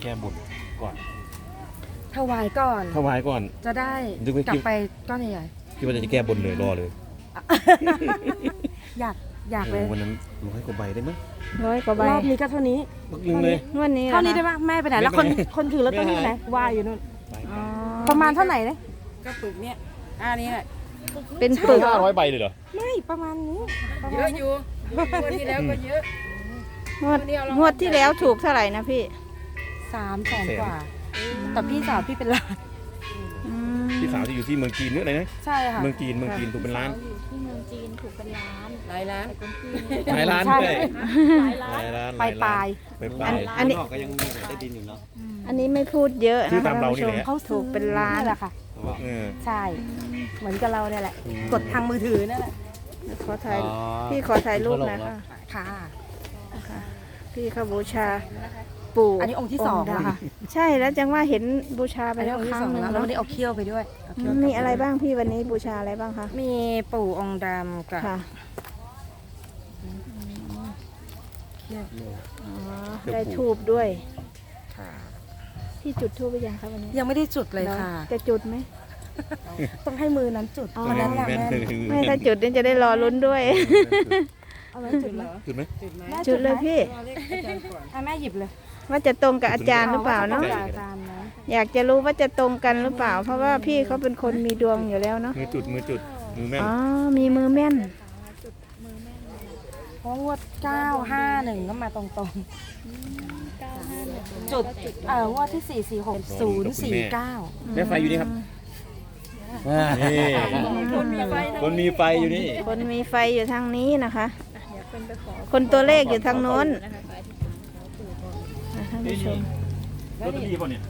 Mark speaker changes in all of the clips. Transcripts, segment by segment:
Speaker 1: แก้บนก่อน
Speaker 2: ถวายก่อน
Speaker 1: ถวายก่อน
Speaker 2: จะได้กลับไปก้อนใหญ่
Speaker 1: คิดว่าจะแก้บนเลยรอเลย
Speaker 2: ๆอยากเลย
Speaker 1: วันนั้น100 กว่าใบได้ไหม
Speaker 3: 100 กว่าใบ
Speaker 2: รอบนี้ก็เท่านี้
Speaker 1: บักลึงเลย
Speaker 3: งวดนี้
Speaker 2: เท่านี้ได้
Speaker 3: ไหม
Speaker 2: ปะแม่ไปไหนแล้วคนถือลอตเตอรี่ไหนว่าอยู่นู่นประมาณเท่าไหร่เนี่ย
Speaker 4: ก็ปึกเนี่ยนี้แหละ
Speaker 3: เป็นปึก
Speaker 1: 500 ใบเลยเหรอ
Speaker 2: ไม่ประมาณนี้
Speaker 4: เยอะอยู่งวดที่แล้วก็เยอะ
Speaker 3: งวดที่แล้วถูกเท่าไหร่นะพี่
Speaker 2: 300,000 กว่า แต่พี่สาวพี่เป็นล้าน
Speaker 3: อืม
Speaker 1: พี่สาวที่อยู่ที่เมืองจีนนึกอะไรนะ
Speaker 2: ใช่ค่ะ
Speaker 1: เมืองจีนถูกเป็นล้าน
Speaker 5: ที่เมืองจีนถูกเป็นล้าน
Speaker 4: หลายล้าน
Speaker 1: หลายล้าน
Speaker 2: ใช่
Speaker 1: ด้วย
Speaker 5: หลายล้าน
Speaker 1: หลายล้าน
Speaker 2: ปลาย
Speaker 1: ไปปลาย
Speaker 3: อันนี้
Speaker 6: ก็ยังมีได้ดินอยู่เนาะ
Speaker 3: อันนี้ไม่พูดเยอะ
Speaker 1: คือ
Speaker 3: นะคะ
Speaker 1: ตามเรานี่แหละ
Speaker 2: เขา
Speaker 3: ถูกเป็นล้าน
Speaker 2: แหละค่ะ
Speaker 1: เออ
Speaker 2: ใช่ เหมือนกับเราเนี่ยแหละ กดทางมือถือนั่นแหละ
Speaker 3: ขอถ่ายพี่ขอถ่ายรูปหนะคะ
Speaker 2: ค่ะ
Speaker 3: นะคะพี่เขาบูชาปู่
Speaker 2: อันนี้องค์ที่สอง
Speaker 3: ด
Speaker 2: แล้วค่ะ
Speaker 3: ใช่แล้วจังว่าเห็นบูชาไป
Speaker 2: อันนี้
Speaker 3: แล้ว
Speaker 2: องค์
Speaker 3: ค
Speaker 2: ที่
Speaker 3: รั้
Speaker 2: ส
Speaker 3: ง
Speaker 2: อง
Speaker 3: หนึง
Speaker 2: แล้วแล้ว
Speaker 3: เนาะ
Speaker 2: วันนี้เอาเขี้ยวไปด้วยเอาเขี้ยว
Speaker 3: มีอะไรบ้างพี่วันนี้บูชาอะไรบ้างคะ
Speaker 2: มีปู่องค์ดำกับ
Speaker 3: ค่ะ
Speaker 2: เขี้ยว
Speaker 3: อ๋อได้ทูบด้วยพี่จุดทูบไปยังคะวันนี้
Speaker 2: ยังไม่ได้จุดเลยค่ะ
Speaker 3: จะจุดไหม
Speaker 2: ต้องให้มือนั้นจุด
Speaker 3: อ๋อ
Speaker 2: วันนั้นแหละ
Speaker 1: แม่น
Speaker 2: แม่
Speaker 3: ไม่ถ้าจุดนี่จะได้รอลุ้นด้วย
Speaker 2: เอาไว้จุดเลย
Speaker 1: จุดไหม
Speaker 3: จุดเลยพี่
Speaker 2: อ่ะแม่หยิบเลย
Speaker 3: ว่าจะตรงกับอาจารย์หรือเปล่าเนาะ
Speaker 2: ออาจารย์นะ
Speaker 3: อยากจะรู้ว่าจะตรงกันหรือเปล่า เพราะว่าพี่เขาเป็นคนมีดวงอยู่แล้วเนาะ
Speaker 1: มือจุดมือแม่น
Speaker 3: อ๋อมีมือแม่น
Speaker 2: เพราะงวด951ก็มาตรงๆจุดงวดที่446
Speaker 1: แม่ไฟอยู่นี่ครับนี่คนมีไฟอยู่นี่
Speaker 3: คนมีไฟอยู่ทางนี้นะคะ คนตัวเลขอยู่ทางโน้นท่านผู้ชม
Speaker 1: รถดีป่ะเนี่ย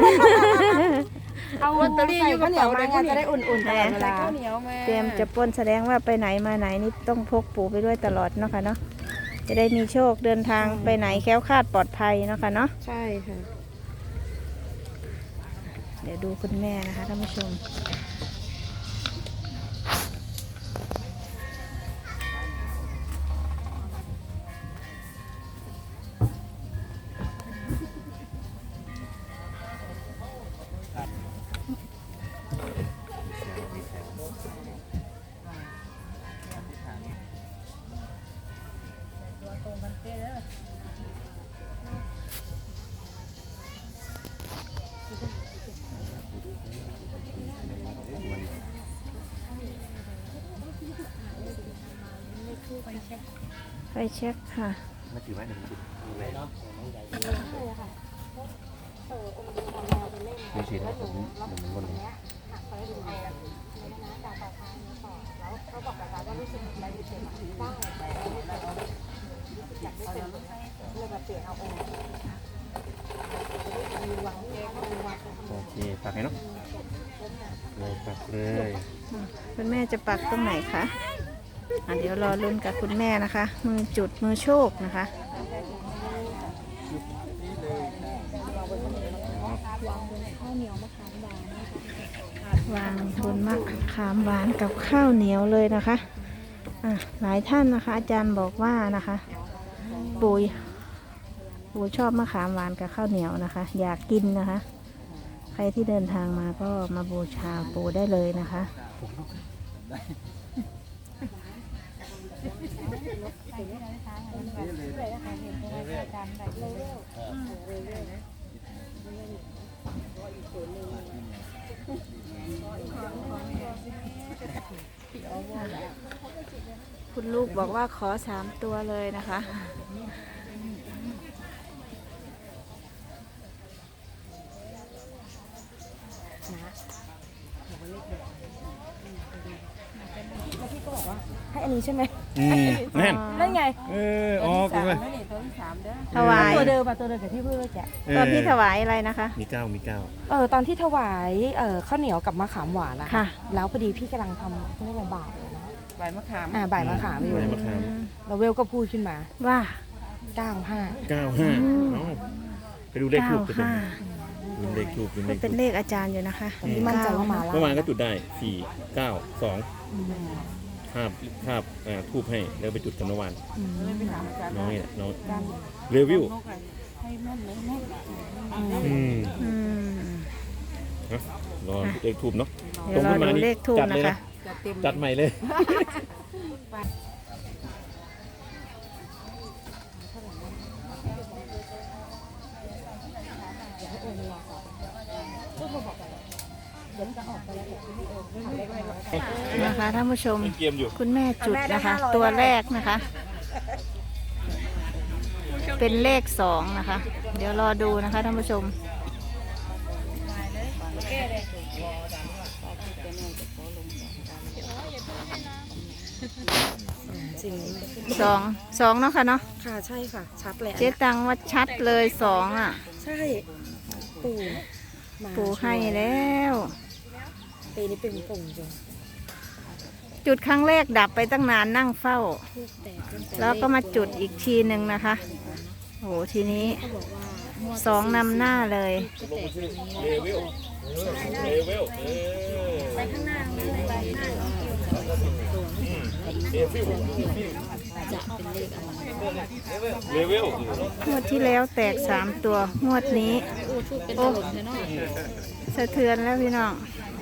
Speaker 2: เอาลอตเตอรี่อยู่ข้าวเหนียวมาไงจะได้อุ่นๆตลอดเวลา
Speaker 4: ข้าวเหนียวมา
Speaker 3: เตรียมจะปล้นแสดงว่าไปไหนมาไหนนี่ต้องพกปู่ไปด้วยตลอดเนาะค่ะเนาะจะได้มีโชคเดินทางไปไหนแคล้วคลาดปลอดภัยเนาะค่ะเนาะ
Speaker 2: ใช่ค่ะ
Speaker 3: เดี๋ยวดูคุณแม่นะคะท่านผู้ชมไฟเช็คค่ะ
Speaker 1: มาถือไว้หนึ่งจุดไม่ชินนะผมบนนี้โอเคปักให้เนาะเลยปักเลย
Speaker 3: คุณแม่จะปักตรงไหนคะเดี๋ยวรอลุ้นกับคุณแม่นะคะ มือจุดมือโชคนะคะวางทุนมะขามหวานกับข้าวเหนียวเลยนะคะหลายท่านนะคะ อาจารย์บอกว่านะคะปู่ชอบมะขามหวานกับข้าวเหนียวนะคะ อยากกินนะคะ ใครที่เดินทางมาก็มาบูชาปู่ได้เลยนะคะ คุณลูกบอกว่าขอ3 ตัวเลยนะคะ
Speaker 2: ให้อันนี้ใช่ไหม
Speaker 1: แน่น
Speaker 2: นั่นไง
Speaker 1: อ๋อกูเลย
Speaker 4: ตัวที่3เด้อ
Speaker 3: ถวาย
Speaker 2: ตัวเดิมกับตัวเดิมกับที่เพื่อแกะ
Speaker 3: ตอนที่ถวายอะไรนะคะ
Speaker 1: มีเก้า
Speaker 2: ตอนที่ถวายข้าวเหนียวกับมะขามหวานนะ
Speaker 3: ค่ะ
Speaker 2: แล้วพอดีพี่กำลังทำเรียกว่าบ่ายนะ
Speaker 4: ใบมะขาม
Speaker 2: บ่ายมะขามอยู่
Speaker 1: ใบมะขาม
Speaker 2: แล้วเวลก็พูดขึ้นมา
Speaker 3: ว่า
Speaker 2: 95
Speaker 1: 95ไปดูเลขทูบกันดูเลขทูบดูเล
Speaker 3: มัน
Speaker 1: ข
Speaker 3: เป็
Speaker 1: ทู
Speaker 3: น
Speaker 1: บ
Speaker 3: เลขอาจารย์อยู่นะคะ
Speaker 2: ตอนนี้มั่นใจว่ามาแล้ว
Speaker 1: เมื่อวานก็จุดได้4 9 2ภาพทูบให้แล้วไปจุดกันเมื่อวาน
Speaker 4: เลยไปถามอาจารย์
Speaker 1: น้องนี่แหละน้อง
Speaker 4: การ
Speaker 1: เรวิว
Speaker 4: นกอะไรให้แม่นเลยแม่น
Speaker 3: อืม
Speaker 1: รอเลขทูบเนาะ
Speaker 3: เดี๋ยวรอดูเลขทูบนะคะ
Speaker 4: จะเต็ม
Speaker 1: จัดใหม่เลย
Speaker 3: นะคะท่านผู้ชม
Speaker 1: เกมอยู่
Speaker 3: คุณแม่จุดนะคะ ตัวแรกนะคะ เป็นเลข2นะคะ เดี๋ยวรอดูนะคะท่านผู้ชมสองเนาะค่ะเนาะ
Speaker 2: ค่ะใช่ค่ะชัดเลย
Speaker 3: เจ๊ตังว่าชัดเลย2อ่ะ
Speaker 2: ใช่ปู่มา
Speaker 3: ปู่ให้แล้ว
Speaker 2: ปีนี้เป็นปู่จริง
Speaker 3: จุดครั้งแรกดับไปตั้งนานนั่งเฝ้า แล้วก็มาจุดอีกทีหนึ่งนะคะโอ้โหทีนี้2นำหน้าเลย
Speaker 1: เลเวลไปข้างหน้าไปหน้าเลเวล
Speaker 3: งวดที่แล้วแตก3ตัวงวดนี้โอ้สะเทือนแล้วพี่น้อง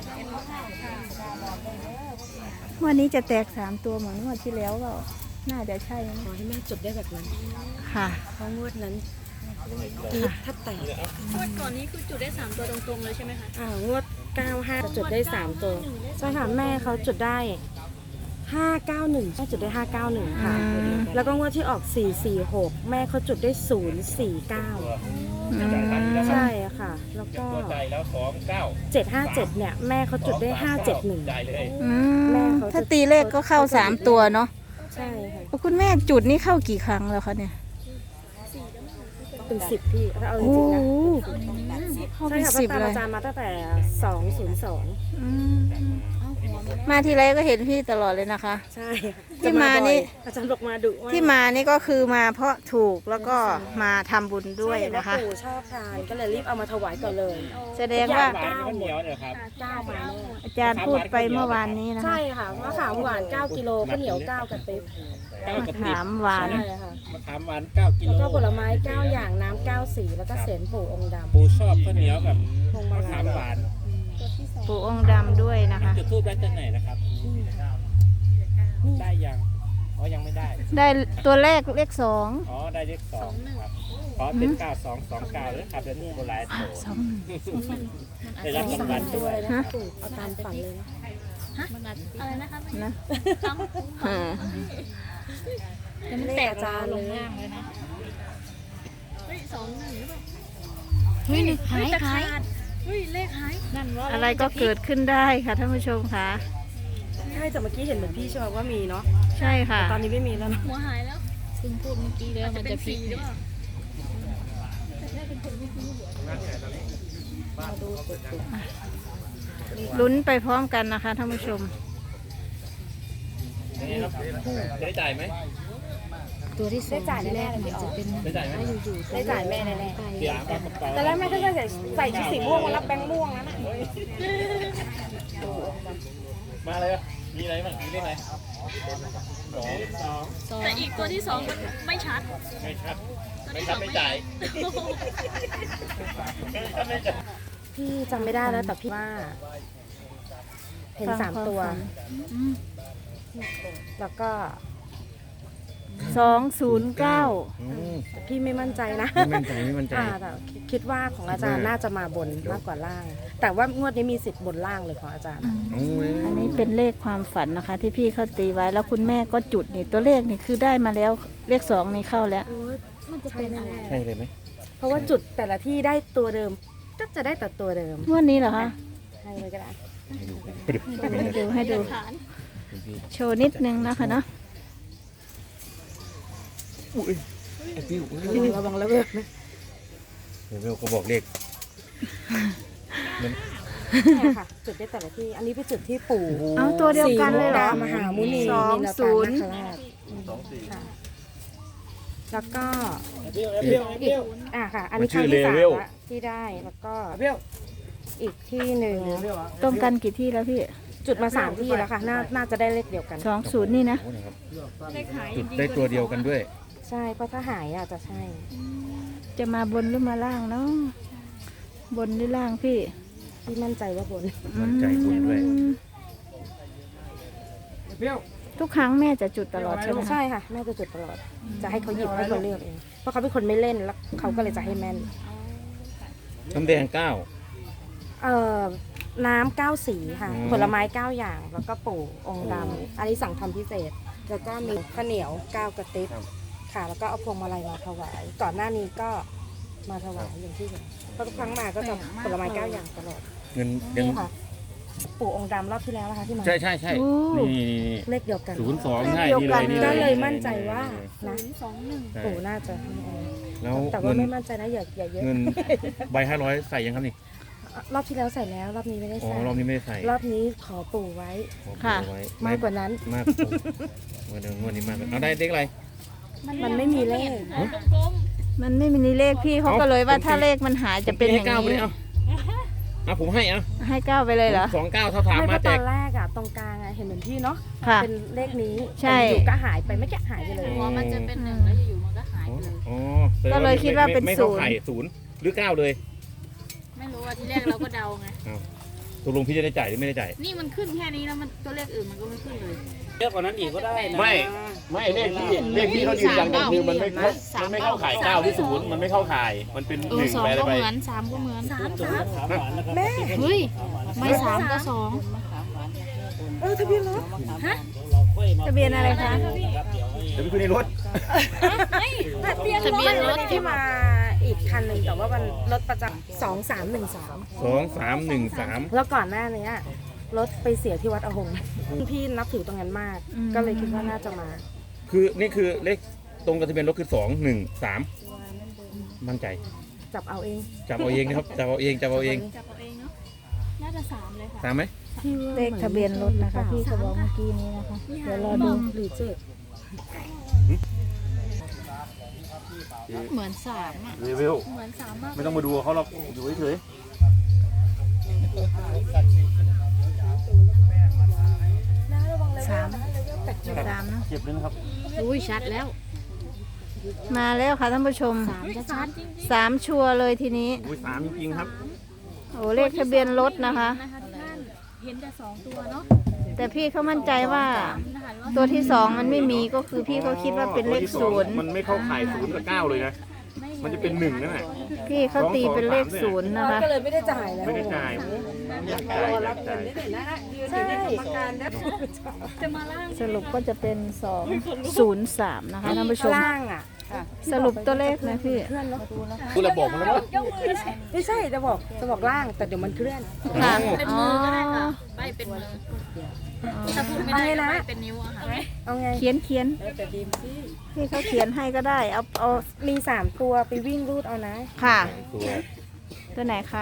Speaker 3: งวดนี้จะแตก3ตัวเหมือนงวดที่แล้วเปล่าน่าจะใช่นะ
Speaker 2: ขอให้แม่จุดได้แบบนั้น
Speaker 3: ค่ะ
Speaker 2: เพราะงวดนั้นกีดถ้าแตก
Speaker 5: งวดก่อนนี้คือจุดได้3ตัวตรงๆเลยใช่ไหมคะ
Speaker 2: งวด95จะจุดได้3ตัวใช่ค่ะแม่เขาจุดได้591แม่จุดได้591ค่ะ แล้วก็งวดที่ออก446แม่เขาจุดได้049ใช่ค่ะแล้วก็
Speaker 1: ใจแล้ว29
Speaker 2: 757เนี่ยแม่เขาจุดได้571
Speaker 1: ใจเลย
Speaker 3: อืม
Speaker 2: แม่เขาจะ
Speaker 3: ถ้าตีเลขก็เข้า3ตัวเนาะ
Speaker 2: ใช่ค่ะ
Speaker 3: คุณแม่จุดนี่เข้ากี่ครั้งแล้วคะเนี่ย
Speaker 2: เป็น10พี่ถ้าเอาจ
Speaker 3: โอ้
Speaker 2: ริงๆนะ
Speaker 3: โหเข้า
Speaker 2: ใช่
Speaker 3: เป็น
Speaker 2: ค่ะ
Speaker 3: 10
Speaker 2: ตาม
Speaker 3: เลย
Speaker 2: อาจารย์มาตั้งแต่202
Speaker 3: อืมมาทีไรก็เห็นพี่ตลอดเลยนะคะ
Speaker 2: ใช่ค่ะ
Speaker 3: ที่มานี่
Speaker 2: อาจารย์บอกมาดุมาก
Speaker 3: ที่มานี่ก็คือมาเพราะถูกแล้วก็มาทำบุญด้วย
Speaker 2: ใช่เห็
Speaker 3: นะคะ
Speaker 2: ว่าปู่ชอบทานก็เลยรีบเอามาถวายก่อนเลย
Speaker 3: แสดงว่า
Speaker 1: ข้าวเหนียวเนี่ยครับ
Speaker 2: 9มาแน่
Speaker 3: อาจารย์พูดไปเมื่อวานนี้นะคะ
Speaker 2: ใช่ค่ะมะขามหวาน9กิโลข้าวเหนียว9กับติ๊บ
Speaker 3: มะขามหวาน
Speaker 2: ใช่ค่ะ
Speaker 1: มะขามหวาน9 กิ
Speaker 2: แล้ว
Speaker 1: โล
Speaker 2: ก็ผลไม้9อย่างน้ำ9สีแล้วก็เศษปู่องค์ดำ
Speaker 1: ปูชอบข้าวเหนียวกับ
Speaker 2: พวงมาม
Speaker 1: ะ
Speaker 2: ลั
Speaker 1: ขาย มหวาน
Speaker 3: ปู่องค์ดำด้วยนะคะ
Speaker 1: จุดทูบได้จากไหนนะครับ ได้ยังอ๋อยังไม่ได้
Speaker 3: ได้ตัวแรกเลข2
Speaker 1: อ๋อได้เลข2ครับอ๋อเป็น9229เลยครับเดี๋ยวนี้โบราณ
Speaker 3: 2
Speaker 1: ได้รับรางวัล
Speaker 2: ตั
Speaker 1: ด้
Speaker 2: ว
Speaker 1: วย
Speaker 2: เลยนะปู่เอาตามฝันเลยนะ
Speaker 5: อะไรนะคะ
Speaker 3: นะ
Speaker 5: แต่มันแตกจานลงล่างเลยนะเฮ้ย21หรือเปล่าเฮ้ยหายเฮ้ยเลขหายนั่นว่า
Speaker 3: อะไรก็เกิดขึ้นได้ค่ะท่านผู้ชมค่ะ
Speaker 2: ใช่แต่เมื่อกี้เห็นเหมือนพี่ใช่ไหมว่ามีเนาะ
Speaker 3: ใช่ค่ะ
Speaker 2: ตอนนี้ไม่มีแล้วนะ
Speaker 5: หัวหายแล้วเพิ่งพูดเมื่อกี้เลยมันจะพลิกหรือเปล่า
Speaker 3: ลุ้นไปพร้อมกันนะคะท่านผู้ชม
Speaker 1: ได้จ่ายไหม
Speaker 2: ได้จ่ายแน่ๆเลยพี่อ๋อ
Speaker 1: ได้จ่ายไหม
Speaker 2: ได้จ่ายแม่แน่
Speaker 1: เดี๋ยวปากกระเป๋า
Speaker 2: ๆแต่แรกแม่ก็จะใส่ชุดสีม่วงมารับแบงค์ม่วงนะน่ะ
Speaker 1: มาเลยมีอะไรบ้างมีเลขอะไร2
Speaker 5: แต่อีกตัวที่2มันไม่ชัด
Speaker 1: ไม่ชัดไม่ชัดไม่จ่ายไม่จ่าย
Speaker 2: พี่จำไม่ได้แล้วแต่พี่ว่า เห็น
Speaker 3: ฟัง
Speaker 2: 3 ตัว
Speaker 3: ความฝัน
Speaker 2: แล้วก็
Speaker 3: 209
Speaker 2: พี่ไม่มั่นใจนะ
Speaker 1: ไม่มั่นใจไม่มั่นใจ
Speaker 2: แต่คิดว่าของอาจารย์น่าจะมาบนมากกว่าล่าง แต่ว่างวดนี้มีสิทธิ์บนล่างเลยของอาจารย์
Speaker 3: อันนี้เป็นเลขความฝันนะคะ ที่พี่เขาตีไว้แล้วคุณแม่ก็จุดนี่ตัวเลขนี่คือได้มาแล้วเลข2นี่เข้าแล้ว
Speaker 2: ใช่แน่
Speaker 1: ใช่เลยไหม
Speaker 2: ๆเพราะว่าจุดแต่ละที่ได้ตัวเดิมก็จะได้แต่ตัวเดิม
Speaker 3: งวดนี้เหรอคะ
Speaker 2: ให้เลยก็ได้
Speaker 3: ให้ดูโชว์นิดนึงนะคะเนาะ
Speaker 2: ระวังระเบิดนะ
Speaker 1: เดี๋ยวก็บอกเลข
Speaker 2: ใช่ค่ะ จุดได้แต่ละที่ อันนี้เป็นจุดที่ปู่
Speaker 3: เอาตัวเดียวกันเลยเหรอ
Speaker 2: มหามุนี
Speaker 3: 20
Speaker 2: นิลตานาคราชค่ะแล้วก็อีกค่ะ อันนี้ครั้งที่3ละที่ได้แล้วก็อีกที่หนึ่ง
Speaker 3: ตรงกันกี่ที่แล้วพี่
Speaker 2: จุดมา3ที่แล้วค่ะน่าจะได้เลขเดียวกัน
Speaker 3: 20นี่นะ
Speaker 5: เลขหาย
Speaker 1: จุดได้ตัวเดียวกันด้วย
Speaker 2: ใช่เพราะถ้าหายอาจจะใช่
Speaker 3: จะมาบนหรือมาล่างเนาะบนหรือล่างพี่
Speaker 2: พี่มั่นใจว่าบน
Speaker 1: มั่นใจบนด้วย
Speaker 3: อืมทุกครั้งแม่จะจุดตลอดใช่ไหมคะ
Speaker 2: ใช่ค่ะแม่จะจุดตลอด จะให้เขาหยิบให้เขาเลือกเองเพราะเขาเป็นคนไม่เล่นแล้วเขาก็เลยจะให้แม่น
Speaker 1: น้ำแดง9
Speaker 2: น้ำเก้าสีค่ะ
Speaker 1: อืม
Speaker 2: ผลไม้9อย่างแล้วก็ปู่องค์ดำอันนี้สั่งทำพิเศษ แล้วก็มีข้าวเหนียว9กระติบค่ะ แล้วก็เอาพวงมาลัยมาถวาย ก่อนหน้านี้ก็มาถวายอย่างที่เห็นเพราะทุกครั้งมาก็จะผลไม้9อย่างตลอด
Speaker 1: เงินยัง
Speaker 2: นี่ค่ะ ปู่องค์ดำรอบที่แล้วนะคะที่มา
Speaker 1: ใช่ใช่ใช่
Speaker 3: โอ้
Speaker 1: นี่
Speaker 2: เลขเดียวกัน
Speaker 1: 02ใช่นี่เลยนี่
Speaker 2: ก็
Speaker 1: เลย
Speaker 2: เลยมั่นใจว่านะ
Speaker 1: ใช่
Speaker 2: ปู่น่าจะให้เอา
Speaker 1: แล้ว
Speaker 2: แต่ว่า
Speaker 1: เงิน
Speaker 2: ไม่มั่นใจนะอย่าเยอะ
Speaker 1: เงินใบ500ใส่ยังครับนี่
Speaker 2: รอบที่แล้วใส่แล้ว รอบนี้ไม่ได้
Speaker 1: อ๋อ
Speaker 2: ใส่
Speaker 1: รอบนี้ไม่ได้ใส่
Speaker 2: รอบนี้ขอปู่ไว้
Speaker 1: ขอ
Speaker 3: ค่ะ
Speaker 1: ไว้
Speaker 2: มากกว่านั้น
Speaker 1: มากกว่าเดิมวันนี้มากกว่าเอาได้เด็กอะไร
Speaker 2: มันไม่มีเลข
Speaker 3: มันไม่มีเลขพี่เขาก็เลยว่าถ้าเลขมันหายจะเป็นอย่าง
Speaker 1: นี้
Speaker 3: นี้
Speaker 1: เอาผมให้เอา
Speaker 3: ให้ก้าวไปเลยเหรอ
Speaker 1: 29เท่าถาม
Speaker 2: ไม่เพ
Speaker 1: มา
Speaker 2: ราะ
Speaker 1: แจ
Speaker 2: ตอก นแรกอะตรงกลางอะเห็นเหมือนพี่เนาะ
Speaker 3: ค่ะ
Speaker 2: เป็นเลขนี้
Speaker 3: ใช่
Speaker 2: แต่อยู่ก็หายไปไม่แกหายไปเลย
Speaker 5: พอมันจะเป็นหนึ่งแล้วอยู่ๆมันก็หายไปเลย
Speaker 1: อ๋อ
Speaker 3: ก็เลยคิดว่าเป็น
Speaker 1: ไม่
Speaker 3: ศู
Speaker 1: เข้าน
Speaker 3: ย์
Speaker 1: ไข่0หรือ9เลย
Speaker 5: ไม่รู้ว่าที่แรกเราก็เดาไง
Speaker 1: ตกลงพี่จะได้จ่ายหรือไม่ได้จ่าย
Speaker 5: นี่มันขึ้นแค่นี้แล้วมันตัวเลขอื่นมันก็ไม่ขึ้นเลย
Speaker 6: เยอะกว่านั้นอีกก็ได้นะ
Speaker 1: ไม่เลขพี่เขายืนยันกันคือมันไม่เข้าข่าย9หรือ0มันไม่เข้าข่ายมันเป็น
Speaker 5: เออ
Speaker 1: 1
Speaker 5: สอง
Speaker 1: ไปอะไร
Speaker 5: ก็
Speaker 1: ไป
Speaker 5: เหมือนสามก็เหมือน
Speaker 6: ถามหวานแล้วครับ
Speaker 2: แม่
Speaker 5: เฮ้ยไม่สามก็สอง
Speaker 2: ทะเบียนรถ
Speaker 3: ทะเบียนอะไรคะ
Speaker 1: เดี๋ยวไปคุยในรถ
Speaker 2: ทะเบียนรถที่มาอีกคันหนึ่งแต่ว่ามันรถประจำ2313
Speaker 1: 2313
Speaker 2: แล้วก่อนหน้านี้รถไปเสียที่วัดอหงส์พี่นับถือตรงนั้นมาก ก็เลยคิดว่าน่าจะมา
Speaker 1: คือนี่คือเลขตรงกับทะเบียนรถคือ213มั่นใจ
Speaker 2: จับเอาเอง
Speaker 1: จับเอาเองนะครับจับเอาเอง
Speaker 5: จับเอาเองเนาะน่าจะสามเลยค่ะ
Speaker 1: ตามไหม
Speaker 3: เลขทะเบียนรถนะคะพี่เขาบอกเมื่อกี้นี้นะคะเดี๋ยวรอดู
Speaker 2: หรือเจ็ด
Speaker 5: เหมือนสามอ่ะ
Speaker 1: เรเวล
Speaker 5: เหมือนสามมาก
Speaker 1: ไม่ต้องมาดูเขาหรอกอยู่เฉย
Speaker 3: สามสามเนอะ
Speaker 1: ๆเก็บเลยนะครับ
Speaker 5: อุ้ยชัดแล้ว
Speaker 3: มาแล้วค่ะท่านผู้ชม
Speaker 5: สามจะชัด
Speaker 3: สามชัวร์เลยทีนี้
Speaker 1: อุ้ย3จริงๆครับ
Speaker 3: โอ้เลขทะเบียนรถนะคะ
Speaker 5: นะคะทุกท่านเห็นแต่สองตัวเนาะ
Speaker 3: แต่พี่เขามั่นใจว่า
Speaker 5: นะคะว่า
Speaker 3: ตัวที่สองมันไม่มีก็คือพี่เขาคิดว่าเป็นเลขศูนย์
Speaker 1: มันไม่เข้าข่าย0กับ9เลยนะ มันจะเป็น1นั่นแหละ
Speaker 3: พี่เขาตีเป็นเลขศูนย์นะคะ
Speaker 2: ก็เลยไม่ได้จ่ายแล้ว
Speaker 1: ไม่ได้จ่ายอยากจ่ายอยากจ่าย
Speaker 2: ใช่
Speaker 5: จะมาล่าง
Speaker 3: สรุปก็จะเป็น203นะคะท่านผู้ชม
Speaker 2: ล่างอ่ะ
Speaker 3: สรุปตัวเลขนะพี่
Speaker 2: เคลื่อนเนาะ
Speaker 1: คุณระบอกมันแล้ว
Speaker 2: ไม่ใช่จะบอกล่างแต่เดี๋ยวมันเคลื่อน
Speaker 3: ค่ะ
Speaker 5: เป็นมือก็ได้ค่ะใบเป็นมือถ้าพูดไม่ได้ก็ใบเป็นนิ้วอะค่ะ
Speaker 2: เอาไง
Speaker 3: เขียนพี่เขาเขียนให้ก็ได้เอา
Speaker 2: มี3ตัวไปวิ่งรูดเอานะ
Speaker 3: ค่ะ
Speaker 1: ตัว
Speaker 3: ตัวไหนคะ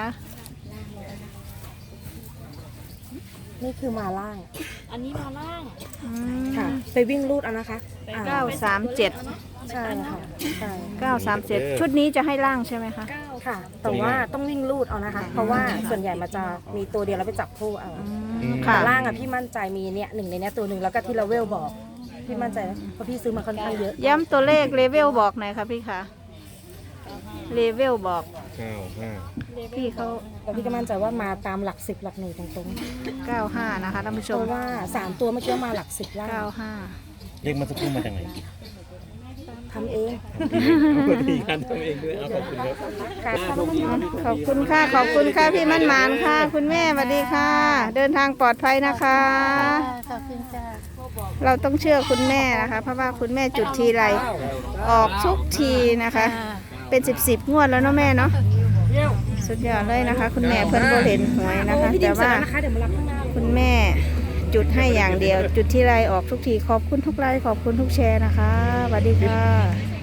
Speaker 2: นี่คือมาล่าง
Speaker 5: อันนี้มาล่าง
Speaker 3: อื
Speaker 2: ค่ะ
Speaker 3: ม
Speaker 2: ไปวิ่งรูดเอานะคะอ่า
Speaker 3: 937
Speaker 2: ใช่ค่ะใช่
Speaker 3: 937ชุดนี้จะให้ล่างใช่ไหมคะ
Speaker 2: ค่ะ แต่ว่าต้องวิ่งรูดเอานะคะ เพราะว่าส่วนใหญ่มันจะมีตัวเดียวแล้วไปจับคู่เอา
Speaker 3: ค่ะ
Speaker 2: แต่ล่างอ่ะพี่มั่นใจมีเนี่ยหนึ่งในเนี้ยตัวหนึ่งแล้วก็ที่เราเวลบอก พี่มั่นใจนะเพราะพี่ซื้อมาค่อนข้างเยอะ
Speaker 3: ย้ำตัวเลขเลเวลบอกหน่อยค่ะพี่คะเลเวลบอก
Speaker 1: 95
Speaker 3: พี่เขา
Speaker 2: แต่พี่ก็มั่นใจว่ามาตามหลัก10หลักหนึ่งตรง
Speaker 3: 95นะคะท่านผู้
Speaker 2: ๆ
Speaker 3: ช
Speaker 2: เพ
Speaker 3: ม
Speaker 2: ราะว่า3ตัวเมื่อกี้มาหลัก10ล่าง
Speaker 3: 95
Speaker 1: เลขมันสักครู่มาจากไหน
Speaker 2: ทำเอง
Speaker 1: เอาดีกันทำเองด้วยเอาขอบคุณครับ
Speaker 2: ค่ะ
Speaker 3: ขอบคุณค่ะ ขอบคุณค่ะพี่มั่นหมานค่ะ คุณแม่สวัสดีค่ะ เดินทางปลอดภัยนะคะ
Speaker 5: ขอบคุณจ้า
Speaker 3: เราต้องเชื่อคุณแม่นะคะ เพราะว่าคุณแม่จุดทีไรออกทุกทีนะคะ เป็น10งวดแล้วเนาะแม่เนาะสุดยอดเลยนะคะ คุณแม่เพิ่นก็เห็นหวยนะคะ
Speaker 2: พี่ดิ
Speaker 3: แต่
Speaker 2: มเสร็จ
Speaker 3: ว่า
Speaker 2: แล้วนะคะเดี๋ยวมารับข้างหน้า
Speaker 3: คุณแม่จุดให้อย่างเดียว จุดที่ไรออกทุกทีขอบคุณทุกไลค์ขอบคุณทุกแชร์นะคะสวัสดีค่ะ